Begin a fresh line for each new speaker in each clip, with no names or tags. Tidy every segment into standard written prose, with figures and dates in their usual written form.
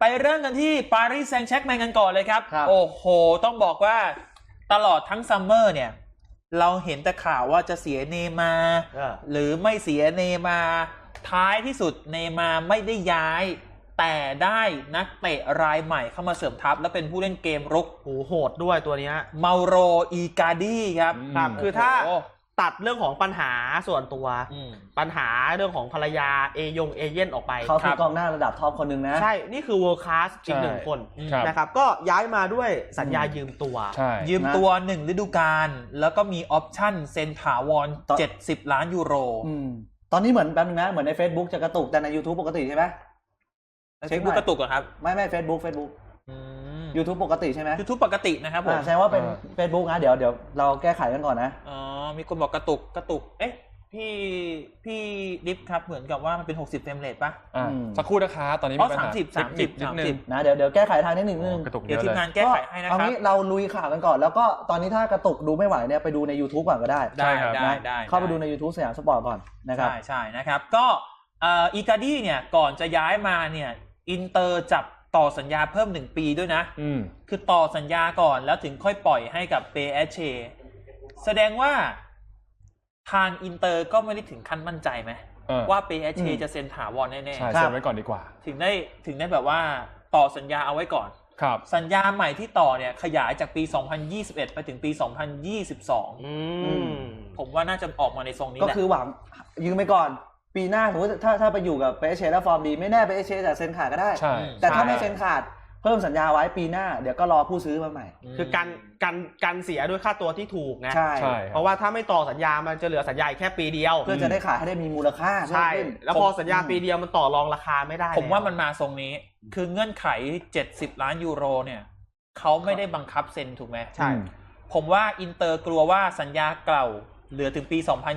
ไปเริ่มกันที่ปารีสแซงต์แชร์กแมงกันก่อนเลยครับโอ้โหต้องบอกว่าตลอดทั้งซัมเมอร์เนี่ยเราเห็นแต่ข่าวว่าจะเสียเนย์มาร์หรือไม่เสียเนย์มาร์ท้ายที่สุดเนย์มาร์ไม่ได้ย้ายแต่ได้นักเตะรายใหม่เข้ามาเสริมทัพและเป็นผู้เล่นเกมรุก
โหดด้วยตัวนี้
เมาโรอีกาดี้ครับ
คือถ้าตัดเรื่องของปัญหาส่วนตัวปัญหาเรื่องของภรรยาเอเย่นออกไป
เขาคือกองหน้าระดับท็อปคนหนึ่งนะ
ใช่นี่คือ world class อีกหนึ่งคนนะครับก็ย้ายมาด้วยสัญญายืมตัว
ยืมตัว1ฤดูกาลแล้วก็มีออปชั่นเซ็นถาวร70 ล้านยูโร
ตอนนี้เหมือนแป๊บนึงนะเหมือนใน Facebook จะกระตุกแต่ใน YouTube ปกติใช่ไหม
เช็คดูกระตุกเหรอครับ
ไม่ Facebook YouTube ปกติใช่ไหม
YouTube ปกตินะครับผม
ใช่ว่าเป็น Facebook นะเดี๋ยวเราแก้ไขกันก่อนนะ
มีคนบอกกระตุกเอ๊ะพี่ดิฟครับเหมือนกับว่ามันเป็น60เฟรมเรทป่ะ
สักครู่นะครับตอนนี้มีปัญหา
30
นะเดี๋ยวแก้ไขทางนิดนึง
เดี๋ยวทีมงานแก้ไขให้นะครับ
เอางี้เราลุยข่าวกันก่อนแล้วก็ตอนนี้ถ้ากระตุกดูไม่ไหวเนี่ยไปดูใน YouTube ก่อนก็ได้
ได้
เข้าไปดูใน YouTube สยามสปอร์ตก่อนนะครับ
ใช่นะครับก็อีกาดี้เนี่ยก่อนจะย้ายมาเนี่ยอินเตอร์จับต่อสัญญาเพิ่ม1ปีด้วยนะคือต่อสัญญาก่อนแล้วถึงค่อยปล่อยให้กับเปเอชเชแสดงว่าทางอินเตอร์ก็ไม่ได้ถึงขั้นมั่นใจไหมว่าเปเอชเชจะเซ็นถาวรแน่ๆ
ใช่เซ็นไว้ก่อนดีกว่า
ถึงได้แบบว่าต่อสัญญาเอาไว้ก่อน
ครับ
สัญญาใหม่ที่ต่อเนี่ยขยายจากปี 2021 ไปถึงปี 2022ผมว่าน่าจะออกมาในทรงนี้แหละ
ก็คือหวังยืมไปก่อนปีหน้าสมมติถ้าไปอยู่กับเปเชแล้วฟอร์มดีไม่แน่เปเชจะเซ็นขาดก็ได้แต่ถ้าไม่เซ็นขาดเพิ่มสัญญาไว้ปีหน้าเดี๋ยวก็รอผู้ซื้อมาใหม่
คือการเสียด้วยค่าตัวที่ถูกไง
ใช่
เพราะว่าถ้าไม่ต่อสัญญามันจะเหลือสัญญาแค่ปีเดียว
เพื่อจะได้ขายให้ได้มีมูลค่า
ใช่แล้วพอสัญญาปีเดียวมันต่อรองราคาไม่ได้
ผมว่ามันมาทรงนี้คือเงื่อนไข70 ล้านยูโรเนี่ยเขาไม่ได้บังคับเซ็นถูกไหม
ใช่
ผมว่าอินเตอร์กลัวว่าสัญญาเก่าเหลือถึงปี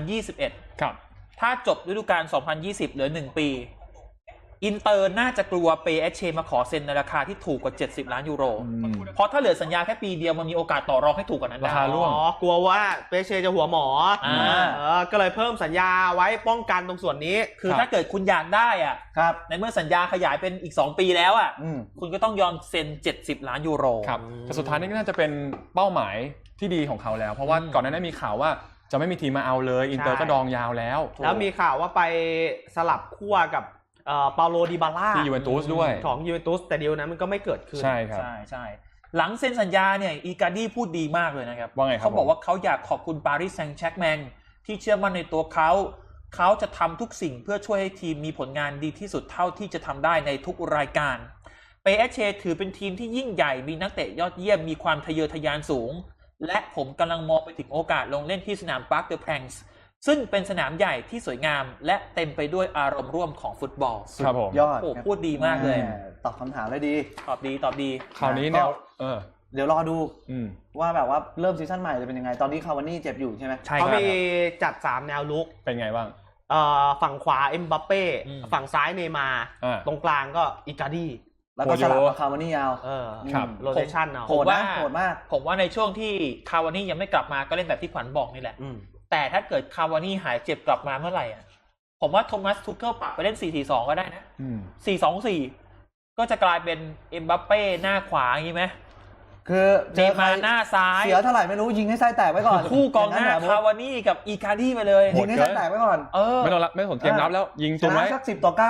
2021
ครับ
ถ้าจบฤดูกาล 2020 เหลือ 1 ปี อินเตอร์น่าจะกลัวเปเอชเชมาขอเซ็นในราคาที่ถูกกว่า70 ล้านยูโรเพราะถ้าเหลือสัญญาแค่ปีเดียวมันมีโอกาสต่อรองให้ถูกกว่านั้นได้
ราคาร่วง
กลัวว่าเปเอชเชจะหัวหมอก็เลยเพิ่มสัญญาไว้ป้องกันตรงส่วนนี้
คือถ้าเกิดคุณอยากได้อ่ะในเมื่อสัญญาขยายเป็นอีก2 ปีแล้วอ่ะคุณก็ต้องยอมเซ็น70 ล้านยูโร
ครับแต่สุดท้ายนี่ก็น่าจะเป็นเป้าหมายที่ดีของเขาแล้วเพราะว่าก่อนหน้านี้มีข่าวว่าจะไม่มีทีมมาเอาเลยอินเตอร์ก็ดองยาวแล้ว
มีข่าวว่าไปสลับขั้วกับเปาโลดิบาล่า
ที่ยูเวนตุสด้วย
ของยูเวนตุสแต่เดียวนั้นมันก็ไม่เกิดขึ้น
ใช่ครับ
ใช่หลังเซ็นสัญญาเนี่ยอีกาดี้พูดดีมากเลยนะครับ
ว่าไง
เขาบอกว่าเขาอยากขอบคุณปารีสแซงต์แชร์กแมงที่เชื่อมั่นในตัวเขาจะทำทุกสิ่งเพื่อช่วยให้ทีมมีผลงานดีที่สุดเท่าที่จะทำได้ในทุกรายการเปเอชเชถือเป็นทีมที่ยิ่งใหญ่มีนักเตะยอดเยี่ยมมีความทะเยอทะยานสูงและผมกำลังมองไปถึงโอกาสลงเล่นที่สนามปาร์คเดอแพงส์ซึ่งเป็นสนามใหญ่ที่สวยงามและเต็มไปด้วยอารมณ์ร่วมของฟุตบอล
ครับผม
ยอด
พูดดีมากเลย
ตอบคำถามได้ดี
ตอบดี
คราวนี้แนว
เดี๋ยวรอดูว่าแบบว่าเริ่มซีซั่นใหม่จะเป็นยังไงตอนนี้คาวานี่เจ็บอยู่ใช่ไหม
เขามีจัด3แนวลุก
เป็นไงบ้าง
ฝั่งขวาเอ็มบัปเป้ฝั่งซ้ายเนย์มาร์ตรงกลางก็อิกาดี้
แล้วก็สลับกับคาวานี่ยาว
โรเทชันเอา
โหดมาก
ผมว่าในช่วงที่คาวานี่ยังไม่กลับมาก็เล่นแบบที่ขวัญบอกนี่แหละแต่ถ้าเกิดคาวานี่หายเจ็บกลับมาเมื่อไหร่อ่ะผมว่าโทมัสทูเคิลปรับไปเล่น 4-4-2 ก็ได้นะ 4-2-4 ก็จะกลายเป็นเอ็มบัปเป้หน้าขวาอย่างนี้ไหม
คือ
เจมาหน้าซ้าย
เสียเท่าไหร่ไม่รู้ยิงให้ไส้แตกไว้ก่อน
คู่กองหน้าคาวานี่กับอีคาดี้ไปเลย
ยิงให้ไส้แตกไว้ก่อน
ไม่สนเกมรับแล้วยิงตรงไว้
สัก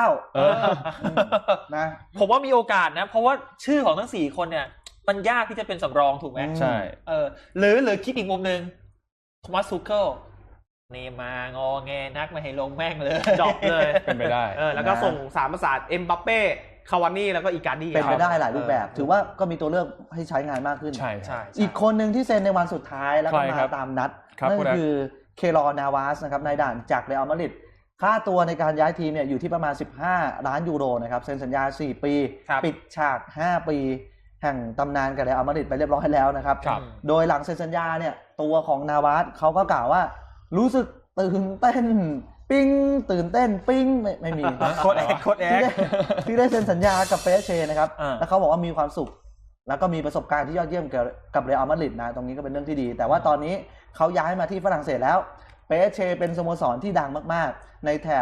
10-9นะ
ผมว่ามีโอกาสนะเพราะว่าชื่อของทั้ง4คนเนี่ยมันยากที่จะเป็นสำรองถูกไหม
ใช่
หรือคิดอีกมุมนึงโทมัสทูเคิลเนมางอแงนักมาให้ลงแม่งเลย
ดรอปเลย
เป็นไปได้
แล้วก็ส่ง3ประสาทเอ็มบัปเป้คาวานี่แล้วก็อีกาดี้
เป็นไปได้หลายรูปแบบถือว่าก็มีตัวเลือกให้ใช้งานมากขึ้น
ใช่
อีกคนหนึ่งที่เซ็นในวันสุดท้ายแล้วก็มาตามนัดนั่นคือเคลอร์นาวาสนะครับนายด่านจากเรอัลมาดริดค่าตัวในการย้ายทีมเนี่ยอยู่ที่ประมาณ15 ล้านยูโรนะครับเซ็นสัญญา4 ปีปิดฉาก5 ปีแห่งตำนานกับเรอัลมาดริดไปเรียบร้อยแล้วนะครับโดยหลังเซ็นสัญญาเนี่ยตัวของนาวาสเขาก็กล่าวว่ารู้สึกตื่นเต้นปิ้งตื่นเต้นปิ้งไม่มี
โค้ดแอค
ที่ได้เซ็นสัญญากับเปเชนะครับแล้วเขาบอกว่ามีความสุขแล้วก็มีประสบการณ์ที่ยอดเยี่ยมกับเรอัลมาดริดนะตรงนี้ก็เป็นเรื่องที่ดีแต่ว่าตอนนี้เขาย้ายมาที่ฝรั่งเศสแล้วเปเชเป็นสโมสรที่ดังมากๆในแถบ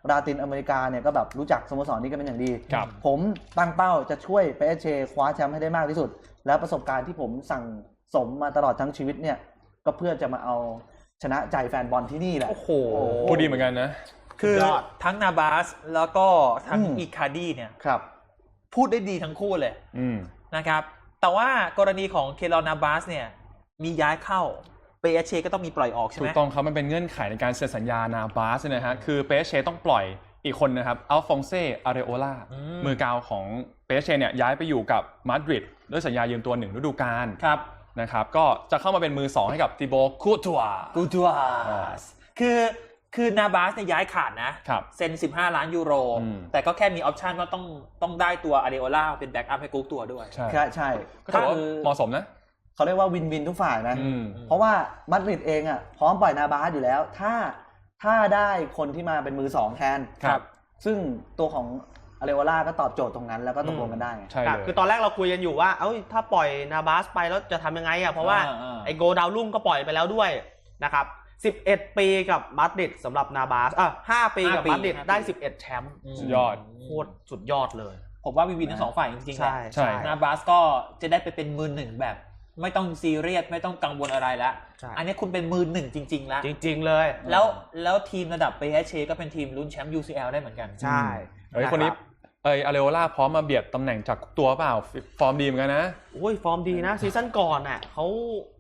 ลาตินอเมริกาเนี่ยก็แบบรู้จักสโมสรนี้กันเป็นอย่างดี
ครับ
ผมตั้งเป้าจะช่วยเปเชคว้าแชมป์ให้ได้มากที่สุด แล้วประสบการณ์ที่ผมสั่งสมมาตลอดทั้งชีวิตเนี่ยก็เพื่อจะมาเอาชนะใจแฟนบอลที่นี่แหละ
โอ้โห
พูดดีเหมือนกันนะ
คือย
อด
ทั้งนาบาสแล้วก็ทั้ง
อืม
อีคาร์ดีเนี่ย
ครับ
พูดได้ดีทั้งคู่เลย
อืม
นะครับ แต่ว่ากรณีของเคลอนาบาสเนี่ยมีย้ายเข้าเปเชก็ต้องมีปล่อยออกใช่ไห
ถู
ม
กต้องครับมันเป็นเงื่อนไขในการเซ็นสัญญานาบาสนะฮะคือเปเชต้องปล่อยอีกคนนะครับอัลฟองเซอาเรโอลามือกาวของเปเชเนี่ยย้ายไปอยู่กับมาดริดด้วยสัญญายืมตัว1ฤดูกาล
ครับ
นะครับก็จะเข้ามาเป็นมือ 2 ให้กับติโบคูตัว
กูตัวสคือนาบาสเนี่ยย้ายขาดนะครับ เซ็น15 ล้านยูโร
อืม
แต่ก็แค่มีออปชันว่าต้องได้ตัวอาเดโอล่าเป็นแบ็กอัพให้กุ๊กตัวด้วย
ใช่
ใช่
ก็ถือว่าเหมาะสมนะ
เขาเรียกว่าวินวินทุกฝ่ายนะ
อืม
เพราะว่ามาดริดเองอ่ะพร้อมปล่อยนาบาสอยู่แล้ว ถ้าได้คนที่มาเป็นมือสองแทน
ครับ
ซึ่งตัวของอาเรโอล่าก็ตอบโจทย์ตรงนั้นแล้วก็ตกลงกันได้ไง
ใช่
ครับ
เลย
คือตอนแรกเราคุยกันอยู่ว่าเอ้ยถ้าปล่อยนาบาสไปแล้วจะทำยังไงอ่ะเพราะว่า ไอโกดาวรุ่งก็ปล่อยไปแล้วด้วยนะครับ11 ปีกับมาดริดสำหรับนาบาส5 ปีกับ
5 ปี
มาดริด
5 ปี
ได้11แชมป์
สุดยอด
โคตรสุดยอดเลย
ผมว่าวินทั้งสองฝ่ายจริงๆแหละ
ใช่
นาบาสก็จะได้ไปเป็นมือหนึ่งแบบ ไม่ต้องซีเรียสไม่ต้องกังวลอะไรแล้ว
ใช่
อันนี้คุณเป็นมือหนึ่งจริงๆแล้ว
จริง ๆ เลย
แล้วทีมระดับ PSC ก็เป็นทีมลุ้นแชมป์ UCL ได้เหมือนกัน
ใช่
เฮ้ยคนนี้อาเรโอล่าพร้อมมาเบียดตำแหน่งจากตัวเปล่าฟอร์มดีเหมือนกันนะ
โอ้ยฟอร์มดีนะซีซั่นก่อนน่ะเขา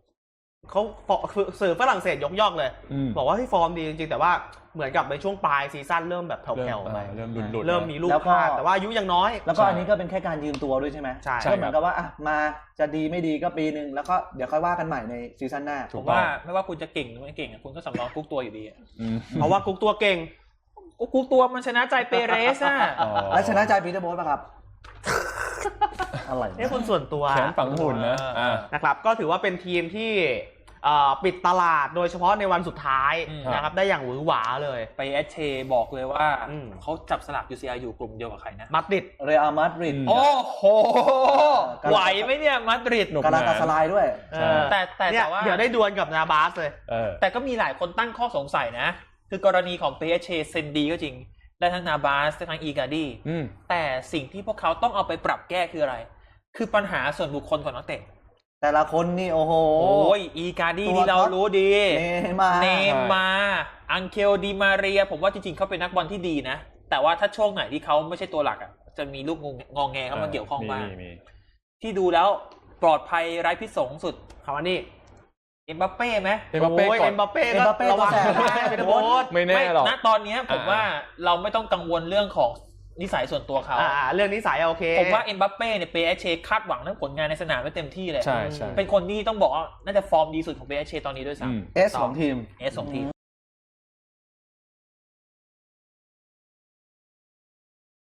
สื่อฝรั่งเศสยกย่องเลย
อืม
บอกว่าที่ฟอร์มดีจริงๆแต่ว่าเหมือนกับในช่วงปลายซีซั่นเริ่มแบบแผ่วๆไป
เริ่มหลุดๆ
เริ่มมีลูก
แล้วก็
พลาดแต่ว่าอายุยังน้อย
แล้วก็
ใช่
อันนี้ก็เป็นแค่การยืมตัวด้วยใช่ไหม
ใช่
ก็เหมือนกับว่าอ่ะมาจะดีไม่ดีก็ปีหนึ่งแล้วก็เดี๋ยวค่อยว่ากันใหม่ในซีซั่นหน้า
ถู
ผ
ก
ม
ต้อง
ว่าไม่ว่าคุณจะเก่งหรือไม่เก่งอะคุณก็สำรองกุ๊กตัวอยู่ดีอะ
อืม
เพราะว่ากุ๊กตัวเก่ง
กุ๊กตัวมันชนะใจเปเรสอะ
อ๋อ
และชนะใจปีเตอร์โบ๊ทป่ะครับ อะไร
นี่คุณส่วนตัว
แขนฝังหุ่นนะอ่า
นะครับก็ถือว่าเป็นทีมที่ปิดตลาดโดยเฉพาะในวันสุดท้ายนะครับได้อย่างหวือหวาเลย
ไปเอชเชบอกเลยว่า
อืม
เขาจับสลับ UCL อยู่กลุ่มเดียวกับใครนะ
มาดริด
เรอัลมาดริด
อืม
โอ้โห ไหวไหมเนี่ยมาดริด
หนุก
กาลาตาสลายด้วย
เออ
แต่
เนี่ย
ว่า
เดี๋ยวได้ดวลกับนาบาสเลย
เออ
แต่ก็มีหลายคนตั้งข้อสงสัยนะ คือกรณีของ PSC เซนดีก็จริง ได้ทั้งนาบาสได้ทั้งอีการ์ดี
อืม
แต่สิ่งที่พวกเขาต้องเอาไปปรับแก้คืออะไร คือปัญหาส่วนบุคคลของนักเตะ
แต่ละคนนี่โอ้โห
โอ้ยอีการ์ดี
ตัว
ที่เรารู้ดี
เนมาร์
เนมาร์อังเคลดีมาเรีย ผมว่าจริงๆเขาเป็นนักบอลที่ดีนะ แต่ว่าถ้าช่วงไหนที่เขาไม่ใช่ตัวหลักอ่ะจะมีลูกงองแงเข้ามาเกี่ยวข้องบ้าง
มี
ที่ดูแล้วปลอดภัยไร้พิษสงสุด
คาวานี่
เอ็มบัปเป้ไหม
เอ็มบัปเป้
โอ้ย
ก่อ
เอ็
น
มบัปเป้
เอ็ม
ก็
บัปเป้
ระวัง
ตัวแสบ
นะเป็นโบ๊ท
ไม่แน่หรอก
ณตอนเนี้ยผมว่าเราไม่ต้องกังวลเรื่องของนิสัยส่วนตัวเขา
เรื่องนิสัยโอเค
ผมว่าเอ็มบัปเป้เนี่ยเปเชคาดหวังเรื่องผลงานในสนามไว้เต็มที่เลย
ใช่ใช่
เป็นคนที่ต้องบอกว่าน่าจะฟอร์มดีสุดของเปเชตอนนี้ด้วยซ้
อืม
เอสของทีม
ำเอสของทีม